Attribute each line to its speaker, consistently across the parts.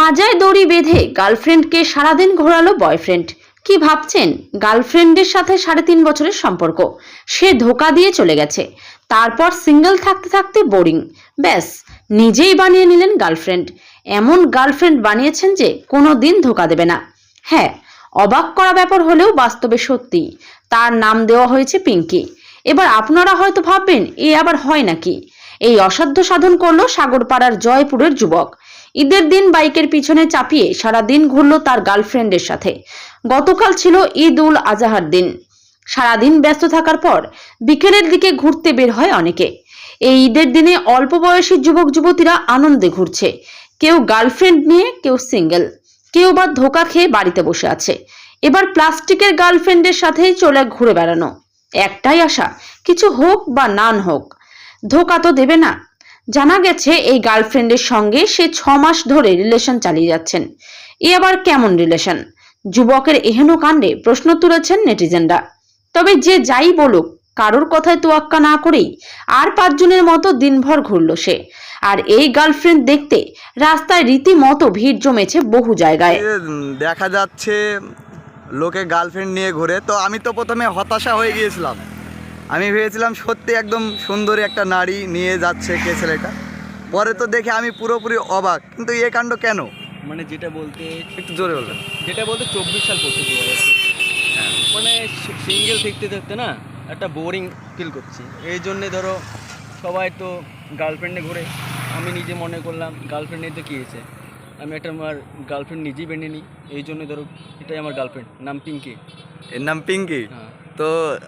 Speaker 1: পাজায় দড়ি বেঁধে গার্লফ্রেন্ডকে সারাদিন ঘোরালো বয়ফ্রেন্ড। কি ভাবছেন? গার্লফ্রেন্ডের সাথে 3.5 বছরের সম্পর্ক, সে ধোকা দিয়ে চলে গেছে। তারপর সিঙ্গেল থাকতে থাকতে বোরিং, ব্যাস নিজেই বানিয়ে নিলেন গার্লফ্রেন্ড। এমন গার্লফ্রেন্ড বানিয়েছেন যে কোনো দিন ধোকা দেবে না। হ্যাঁ, অবাক করা ব্যাপার হলেও বাস্তবে সত্যি। তার নাম দেওয়া হয়েছে পিঙ্কি। এবার আপনারা হয়তো ভাববেন, এ আবার হয় নাকি? এই অসাধ্য সাধন করলো সাগরপাড়ার জয়পুরের যুবক। ঈদের দিন বাইকের পিছনে চাপিয়ে সারা দিন ঘুরল তার গার্লফ্রেন্ডের সাথে। গতকাল ছিল ঈদ উল আজহার দিন। সারাদিন ব্যস্ত থাকার পর বিকেলের দিকে ঘুরতে বের হয় অনেকে। এই ঈদের দিনে অল্প বয়সী যুবক যুবতীরা আনন্দে ঘুরছে। কেউ গার্লফ্রেন্ড নিয়ে, কেউ সিঙ্গেল, কেউ বা ধোকা খেয়ে বাড়িতে বসে আছে। এবার প্লাস্টিকের গার্লফ্রেন্ডের সাথেই চলে ঘুরে বেড়ানো। একটাই আশা, কিছু হোক বা নান হোক, ধোকা তো দেবে না। জানা গেছে এই গার্লফ্রেন্ডের সঙ্গে সে 6 মাস ধরে রিলেশন চালিয়ে যাচ্ছেন। এ আবার কেমন রিলেশন? যুবকের এহেন কাণ্ডে প্রশ্ন তুলেছেন নেটিজেনরা। তবে যে যাই বলুক, কারোর কথায় তোয়াক্কা না করেই আর 5 জনের মতো দিনভর ঘুরল সে। আর এই গার্লফ্রেন্ড দেখতে রাস্তায় রীতিমতো ভিড় জমেছে বহু জায়গায়।
Speaker 2: দেখা যাচ্ছে লোকে গার্লফ্রেন্ড নিয়ে ঘুরে, তো আমি তো প্রথমে হতাশা হয়ে গিয়েছিলাম। আমি ভেবেছিলাম সত্যি একদম সুন্দরী একটা নারী নিয়ে যাচ্ছে কে ছেলেটা। পরে তো দেখে আমি পুরোপুরি অবাক, কিন্তু এ কাণ্ড কেন?
Speaker 3: মানে যেটা বলতে
Speaker 2: একটু জোরে বলবেন।
Speaker 3: 24 সাল পড়তে চলে যাচ্ছে। মানে সিঙ্গেল থাকতে থাকতে না একটা বোরিং ফিল করছি। এই জন্যে ধরো সবাই তো গার্লফ্রেন্ডে ঘুরে, আমি নিজে মনে করলাম গার্লফ্রেন্ড নিয়ে তো কী হয়েছে, আমি একটা আমার গার্লফ্রেন্ড নিজেই বেঁধে নিই। এই জন্য ধরো এটাই আমার গার্লফ্রেন্ড, নাম পিঙ্কি।
Speaker 2: এর নাম পিঙ্কি।
Speaker 3: হ্যাঁ।
Speaker 2: তো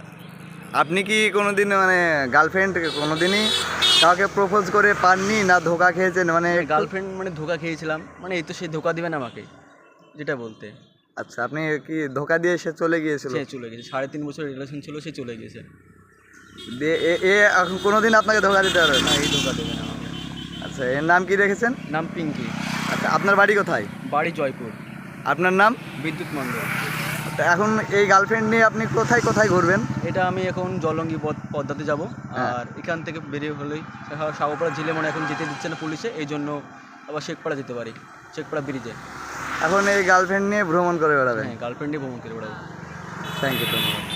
Speaker 2: আপনি কি কোনোদিন মানে গার্লফ্রেন্ড কোনোদিনই কাউকে প্রপোজ করে পাননি, না ধোকা খেয়েছেন? মানে
Speaker 3: গার্লফ্রেন্ড মানে ধোকা খেয়েছিলাম, মানে এই তো সে ধোকা দিবে না আমাকে, যেটা বলতে।
Speaker 2: আচ্ছা, আপনি কি ধোকা দিয়ে সে চলে গিয়েছিল?
Speaker 3: সে চলে গেছে, 3.5 বছর রিলেশন ছিল, সে চলে গেছে।
Speaker 2: দিয়ে এ এখন কোনোদিন আপনাকে ধোকা দিতে পারবে না?
Speaker 3: না, এই ধোকা দেবে না আমাকে।
Speaker 2: আচ্ছা, এর নাম কি রেখেছেন?
Speaker 3: নাম পিঙ্কি।
Speaker 2: আচ্ছা, আপনার বাড়ি কোথায়?
Speaker 3: বাড়ি জয়পুর।
Speaker 2: আপনার নাম?
Speaker 3: বিদ্যুৎ মণ্ডল।
Speaker 2: তো এখন এই গার্লফ্রেন্ড নিয়ে আপনি কোথায় কোথায় ঘুরবেন?
Speaker 3: এটা আমি এখন জলঙ্গি পদ্মাতে যাব।
Speaker 2: হ্যাঁ।
Speaker 3: আর এখান থেকে বেরিয়ে হলেই সাগরপাড়া জেলে মানে এখন যেতে দিচ্ছে না পুলিশে, এই জন্য আবার শেখপাড়া যেতে পারি, শেখপাড়া ব্রিজে।
Speaker 2: এখন এই গার্লফ্রেন্ড নিয়ে ভ্রমণ করে বেড়াবেন?
Speaker 3: হ্যাঁ, গার্লফ্রেন্ডে ভ্রমণ করে বেড়াবো।
Speaker 2: থ্যাংক ইউ, ধন্যবাদ।